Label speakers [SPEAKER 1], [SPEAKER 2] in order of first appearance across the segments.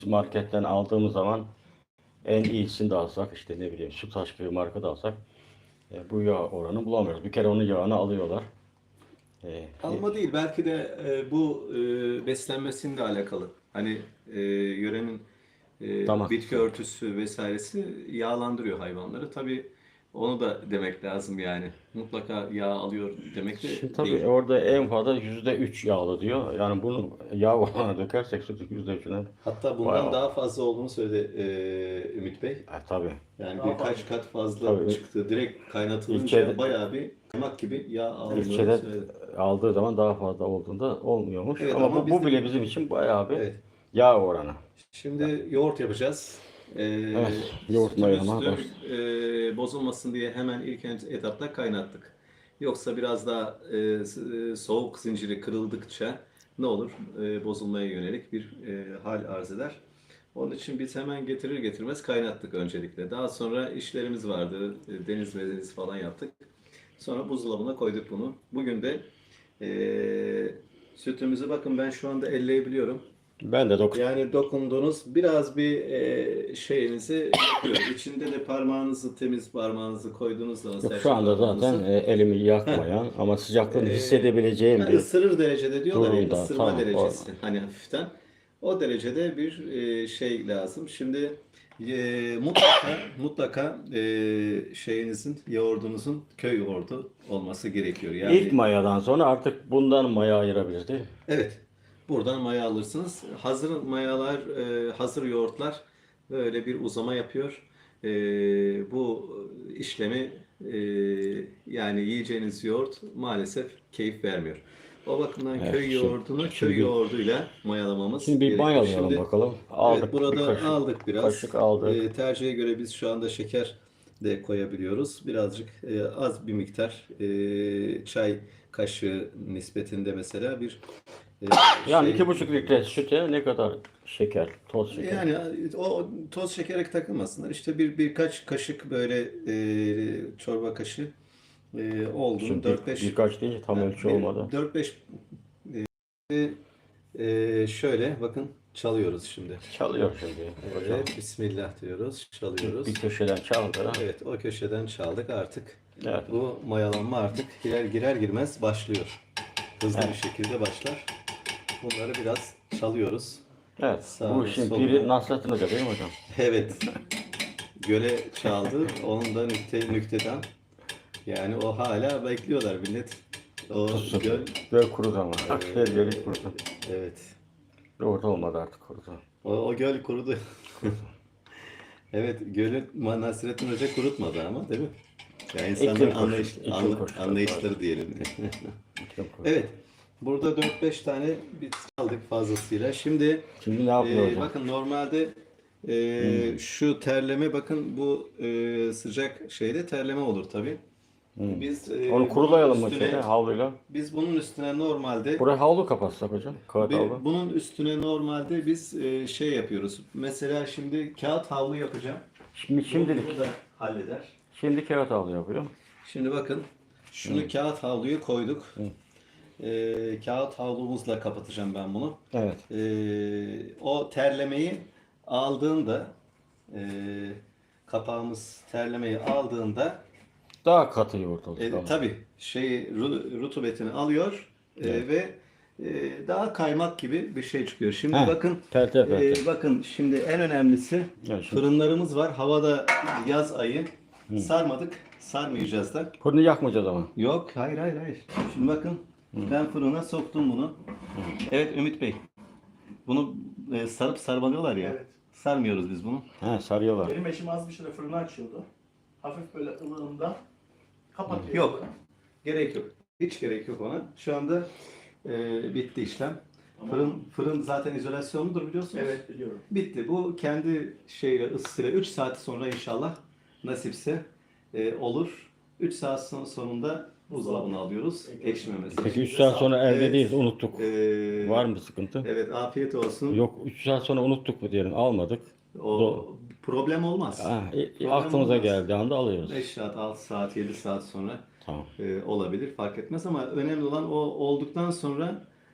[SPEAKER 1] marketten aldığımız zaman en iyisini de alsak, işte ne bileyim Sütaş gibi marka da alsak bu yağ oranı bulamıyoruz. Bir kere onun yağını alıyorlar. E,
[SPEAKER 2] Alma değil, belki de bu beslenmesiyle alakalı. Hani yörenin
[SPEAKER 1] Damak.
[SPEAKER 2] bitki örtüsü vesairesi yağlandırıyor hayvanları. Tabii onu da demek lazım yani. Mutlaka yağ alıyor demek de
[SPEAKER 1] Şimdi tabii
[SPEAKER 2] değil.
[SPEAKER 1] orada en fazla %3 yağlı diyor. Yani bunu yağ oranına dökersek sütün %3'üne
[SPEAKER 2] Hatta bundan
[SPEAKER 1] bayağı.
[SPEAKER 2] daha fazla olduğunu söyledi Ümit Bey.
[SPEAKER 1] Tabii.
[SPEAKER 2] Yani birkaç kat fazla
[SPEAKER 1] Tabii
[SPEAKER 2] çıktı. Direkt kaynatılınca
[SPEAKER 1] ilçede,
[SPEAKER 2] bayağı bir kaymak gibi yağ aldığını
[SPEAKER 1] ilçede
[SPEAKER 2] söyledi.
[SPEAKER 1] aldığı zaman daha fazla olduğunda olmuyormuş.
[SPEAKER 2] Evet
[SPEAKER 1] Ama
[SPEAKER 2] ama
[SPEAKER 1] bu
[SPEAKER 2] biz de
[SPEAKER 1] bile bizim için bayağı bir
[SPEAKER 2] evet.
[SPEAKER 1] yağ oranı.
[SPEAKER 2] Şimdi yoğurt yapacağız.
[SPEAKER 1] Evet, yoğurt mayalama
[SPEAKER 2] Sütümüzü
[SPEAKER 1] başladı.
[SPEAKER 2] bozulmasın diye hemen ilk etapta kaynattık. Yoksa biraz daha soğuk zinciri kırıldıkça ne olur? Bozulmaya yönelik bir hal arz eder. Onun için biz hemen getirir getirmez kaynattık öncelikle. Daha sonra işlerimiz vardı. Deniz mezeniz falan yaptık. Sonra buzdolabına koyduk bunu. Bugün de sütümüzü bakın ben şu anda elleyebiliyorum.
[SPEAKER 1] Ben de
[SPEAKER 2] Yani dokunduğunuz biraz bir şeyinizi yapıyor. İçinde de parmağınızı, temiz parmağınızı koyduğunuz zaman
[SPEAKER 1] yok, şu
[SPEAKER 2] serçe
[SPEAKER 1] anda zaten
[SPEAKER 2] parmağınızı
[SPEAKER 1] elimi yakmayan ama sıcaklığını hissedebileceğim
[SPEAKER 2] yani
[SPEAKER 1] bir
[SPEAKER 2] ısırır derecede diyorlar ya,
[SPEAKER 1] durumda.
[SPEAKER 2] ısırma
[SPEAKER 1] Tamam.
[SPEAKER 2] derecesi hani hafiften. O derecede bir şey lazım. Şimdi mutlaka şeyinizin, yoğurdunuzun köy yoğurdu olması gerekiyor.
[SPEAKER 1] İlk
[SPEAKER 2] Yani
[SPEAKER 1] mayadan sonra artık bundan maya ayırabiliriz değil mi?
[SPEAKER 2] evet. Buradan maya alırsınız. Hazır mayalar, hazır yoğurtlar böyle bir uzama yapıyor. Bu işlemi yani yiyeceğiniz yoğurt maalesef keyif vermiyor. O bakımdan
[SPEAKER 1] Evet,
[SPEAKER 2] köy yoğurdunu köy
[SPEAKER 1] şimdi
[SPEAKER 2] yoğurduyla mayalamamız
[SPEAKER 1] bir
[SPEAKER 2] gerekiyor.
[SPEAKER 1] mayalayalım
[SPEAKER 2] Şimdi
[SPEAKER 1] bakalım.
[SPEAKER 2] evet,
[SPEAKER 1] Aldık bir
[SPEAKER 2] burada
[SPEAKER 1] kaşık.
[SPEAKER 2] aldık biraz.
[SPEAKER 1] Kaşık aldık.
[SPEAKER 2] Tercihe göre biz şu anda şeker de koyabiliyoruz. Birazcık az bir miktar çay kaşığı nispetinde mesela bir
[SPEAKER 1] Yani
[SPEAKER 2] şey
[SPEAKER 1] 2,5 litre süte ne kadar şeker, toz şeker?
[SPEAKER 2] yani o toz şekere takılmasınlar. İşte birkaç kaşık böyle çorba kaşığı olgun
[SPEAKER 1] Şimdi
[SPEAKER 2] 4-5
[SPEAKER 1] birkaç deyince tam ölçü olmadı.
[SPEAKER 2] 4-5 şöyle bakın çalıyoruz şimdi.
[SPEAKER 1] Çalıyor şimdi hocam.
[SPEAKER 2] Evet, Bismillah diyoruz,
[SPEAKER 1] Bir
[SPEAKER 2] çalıyoruz.
[SPEAKER 1] köşeden çaldı.
[SPEAKER 2] Evet, o köşeden çaldık artık.
[SPEAKER 1] Evet.
[SPEAKER 2] Bu mayalanma artık girer girmez başlıyor. Hızlı bir şekilde başlar. Bunları biraz çalıyoruz.
[SPEAKER 1] Evet. Bu
[SPEAKER 2] Sağını
[SPEAKER 1] işin biri
[SPEAKER 2] solunu.
[SPEAKER 1] Nasrettin Hoca değil mi hocam?
[SPEAKER 2] Evet. Göle çaldı. Onun da nüktedan. Yani o hala bekliyorlar millet. O
[SPEAKER 1] Tutsun.
[SPEAKER 2] göl.
[SPEAKER 1] Göl kurudu ama. Her göl kurudu.
[SPEAKER 2] Evet.
[SPEAKER 1] Orada olmadı artık kurudu.
[SPEAKER 2] O göl kurudu. Evet, gölü Nasrettin Hoca kurutmadı ama değil mi? Yani insanların anlayışları diyelim.
[SPEAKER 1] İklim koşu.
[SPEAKER 2] Evet. Burada 4-5 tane biz aldık fazlasıyla. Şimdi
[SPEAKER 1] Şimdi ne yapıyor hocam?
[SPEAKER 2] bakın normalde şu terleme bakın bu sıcak şeyde terleme olur tabii. Biz
[SPEAKER 1] Onu kurulayalım mı şeyle, havluyla?
[SPEAKER 2] biz bunun üstüne normalde
[SPEAKER 1] Buraya havlu kapatsak hocam. Kağıt havlu.
[SPEAKER 2] bunun üstüne normalde biz şey yapıyoruz. Mesela şimdi kağıt havlu yapacağım.
[SPEAKER 1] Şimdilik.
[SPEAKER 2] Bunu da halleder.
[SPEAKER 1] Şimdi kağıt havlu yapıyor.
[SPEAKER 2] Şimdi bakın şunu kağıt havluya koyduk. Kağıt havlumuzla kapatacağım ben bunu.
[SPEAKER 1] Evet.
[SPEAKER 2] O terlemeyi aldığında e, kapağımız terlemeyi aldığında
[SPEAKER 1] Daha katı yoğurt olacak ama.
[SPEAKER 2] tabii rutubetini alıyor ve daha kaymak gibi bir şey çıkıyor. Şimdi
[SPEAKER 1] Heh,
[SPEAKER 2] bakın
[SPEAKER 1] perte.
[SPEAKER 2] bakın şimdi en önemlisi
[SPEAKER 1] Evet, şimdi.
[SPEAKER 2] fırınlarımız var. Havada yaz ayı. Sarmadık. Sarmayacağız da.
[SPEAKER 1] Fırını yakmayacağız ama.
[SPEAKER 2] Yok, hayır. Şimdi bakın, ben fırına soktum bunu. Evet Ümit Bey, bunu sarıp sarmalıyorlar ya.
[SPEAKER 3] Evet.
[SPEAKER 2] Sarmıyoruz biz bunu.
[SPEAKER 1] He, sarıyorlar.
[SPEAKER 3] Benim eşim az bir süre fırını açıyordu. Hafif böyle ılığında kapatıyor.
[SPEAKER 2] Yok, gerek yok. Hiç gerek yok ona. Şu anda bitti işlem. Fırın zaten izolasyonludur biliyorsunuz.
[SPEAKER 3] Evet, biliyorum.
[SPEAKER 2] Bitti. Bu kendi şeyle ısısıyla 3 saat sonra inşallah nasipse olur. 3 saat sonunda buzdolabına alıyoruz. Ekşimemesi.
[SPEAKER 1] Peki 3 saat sonra elde
[SPEAKER 2] Evet.
[SPEAKER 1] değiliz, unuttuk.
[SPEAKER 2] Ee,
[SPEAKER 1] Var mı sıkıntı?
[SPEAKER 2] Evet, afiyet olsun.
[SPEAKER 1] Yok, 3 saat sonra unuttuk mu diyelim, almadık.
[SPEAKER 2] O problem olmaz. Problem
[SPEAKER 1] Aklımıza
[SPEAKER 2] olmaz.
[SPEAKER 1] geldiği anda alıyoruz.
[SPEAKER 2] 5 saat, 6 saat, 7 saat sonra
[SPEAKER 1] Tamam.
[SPEAKER 2] olabilir fark etmez ama önemli olan o olduktan sonra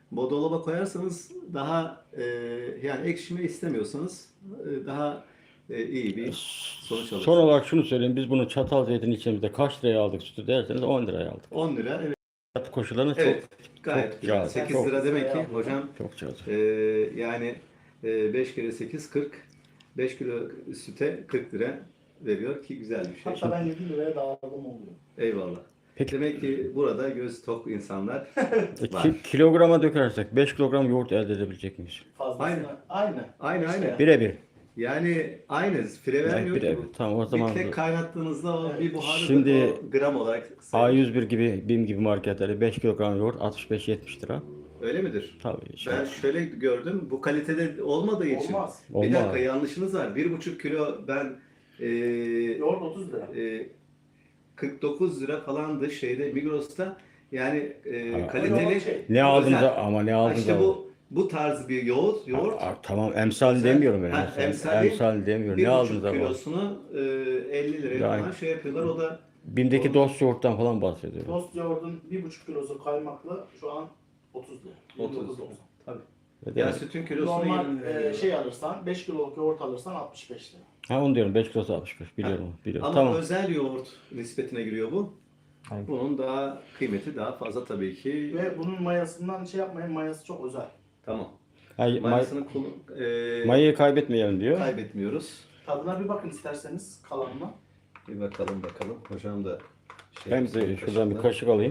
[SPEAKER 2] Dolaba koyarsanız daha yani ekşime istemiyorsanız daha iyi bir sonuç alırsınız.
[SPEAKER 1] Son olarak şunu söyleyeyim. Biz bunu çatal zeytin içimizde kaç liraya aldık sütü derseniz 10 liraya aldık.
[SPEAKER 2] 10 lira, evet.
[SPEAKER 1] Hayat koşullarına
[SPEAKER 2] Evet,
[SPEAKER 1] çok
[SPEAKER 2] gayet güzel.
[SPEAKER 1] cazip,
[SPEAKER 2] 8
[SPEAKER 1] çok-
[SPEAKER 2] lira demek ki hocam,
[SPEAKER 1] çok cazip.
[SPEAKER 2] yani 5 kere 8 40. 5 kilo süte 40 lira veriyor ki güzel bir şey.
[SPEAKER 3] Hatta ben 7 liraya dağıldım oluyor.
[SPEAKER 2] Eyvallah.
[SPEAKER 1] Peki.
[SPEAKER 2] Demek ki burada göz tok insanlar var.
[SPEAKER 1] Kilograma dökersek 5 kilogram yoğurt elde edebilecek miyiz?
[SPEAKER 3] Fazlasına. Aynı.
[SPEAKER 2] Aynı.
[SPEAKER 1] Birebir.
[SPEAKER 2] Yani aynı. Fire vermiyor ki
[SPEAKER 1] birebir.
[SPEAKER 2] bu.
[SPEAKER 1] Tamam, o zaman
[SPEAKER 2] Bir tek kaynattığınızda o bir buharı
[SPEAKER 1] Şimdi
[SPEAKER 2] o gram olarak sayılır.
[SPEAKER 1] A101 gibi, BİM gibi marketlerde 5 kilogram yoğurt 65-70 lira.
[SPEAKER 2] Öyle midir?
[SPEAKER 1] Tabii.
[SPEAKER 2] Ben şöyle gördüm. Bu kalitede olmadığı için.
[SPEAKER 3] Olmaz.
[SPEAKER 2] Bir
[SPEAKER 1] Olmaz.
[SPEAKER 2] dakika, yanlışınız var. 1,5 kilo ben
[SPEAKER 3] Yoğurt 30 lira.
[SPEAKER 2] 49 lira falandı şeyde, Migros'ta. Yani
[SPEAKER 1] Ha,
[SPEAKER 2] kaliteli.
[SPEAKER 3] yoğurt şey.
[SPEAKER 1] Ne aldın
[SPEAKER 2] özel.
[SPEAKER 1] da ama ne aldın
[SPEAKER 2] İşte
[SPEAKER 1] da.
[SPEAKER 2] bu tarz bir yoğurt.
[SPEAKER 1] Tamam, emsal
[SPEAKER 2] Güzel.
[SPEAKER 1] demiyorum ben.
[SPEAKER 2] Ha,
[SPEAKER 1] Emsal,
[SPEAKER 2] emsali
[SPEAKER 1] demiyorum. Ne aldın
[SPEAKER 2] 1,5
[SPEAKER 1] da?
[SPEAKER 2] kilosunu 50 liraya
[SPEAKER 1] Yani-
[SPEAKER 2] falan şey yapıyorlar. O da
[SPEAKER 1] BİM'deki dost yoğurttan falan bahsediyorum.
[SPEAKER 3] Tost yoğurdun 1,5 kilosu kaymaklı şu an 30 lira.
[SPEAKER 2] 30 lira.
[SPEAKER 3] 29.90.
[SPEAKER 2] Tabii.
[SPEAKER 1] Ve
[SPEAKER 2] Ya
[SPEAKER 1] de-
[SPEAKER 2] sütün kilosunu
[SPEAKER 3] Normal
[SPEAKER 2] 20 liraya veriyorlar.
[SPEAKER 3] şey alırsan 5 kiloluk yoğurt alırsan 65 lira.
[SPEAKER 1] Ha, onu diyorum, 5 kilosu 65. Biliyorum.
[SPEAKER 2] Ama
[SPEAKER 1] Tamam.
[SPEAKER 2] özel yoğurt nispetine giriyor bu.
[SPEAKER 1] Aynen.
[SPEAKER 2] Bunun daha kıymeti daha fazla tabii ki.
[SPEAKER 3] Ve bunun mayasından şey yapmayın, mayası çok özel.
[SPEAKER 2] Tamam.
[SPEAKER 1] Hayır,
[SPEAKER 2] Mayasını
[SPEAKER 1] mayayı kaybetmeyelim diyor.
[SPEAKER 2] kaybetmiyoruz.
[SPEAKER 3] Tadına bir bakın isterseniz kalanına.
[SPEAKER 2] Bir bakalım. Hocam da
[SPEAKER 1] Ben de şuradan bir kaşık alayım.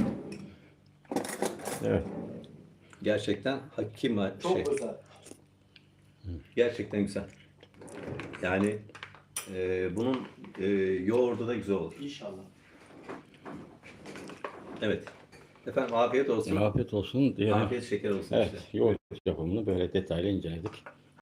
[SPEAKER 1] Evet.
[SPEAKER 2] Gerçekten hakim
[SPEAKER 3] Çok
[SPEAKER 2] şey.
[SPEAKER 3] özel.
[SPEAKER 2] Gerçekten güzel. Yani bunun yoğurdu da güzel olur.
[SPEAKER 3] İnşallah.
[SPEAKER 2] Evet. Efendim afiyet olsun.
[SPEAKER 1] Afiyet olsun diyelim.
[SPEAKER 2] Afiyet şeker olsun
[SPEAKER 1] Evet,
[SPEAKER 2] işte.
[SPEAKER 1] yoğurt yapımını böyle detaylı inceledik.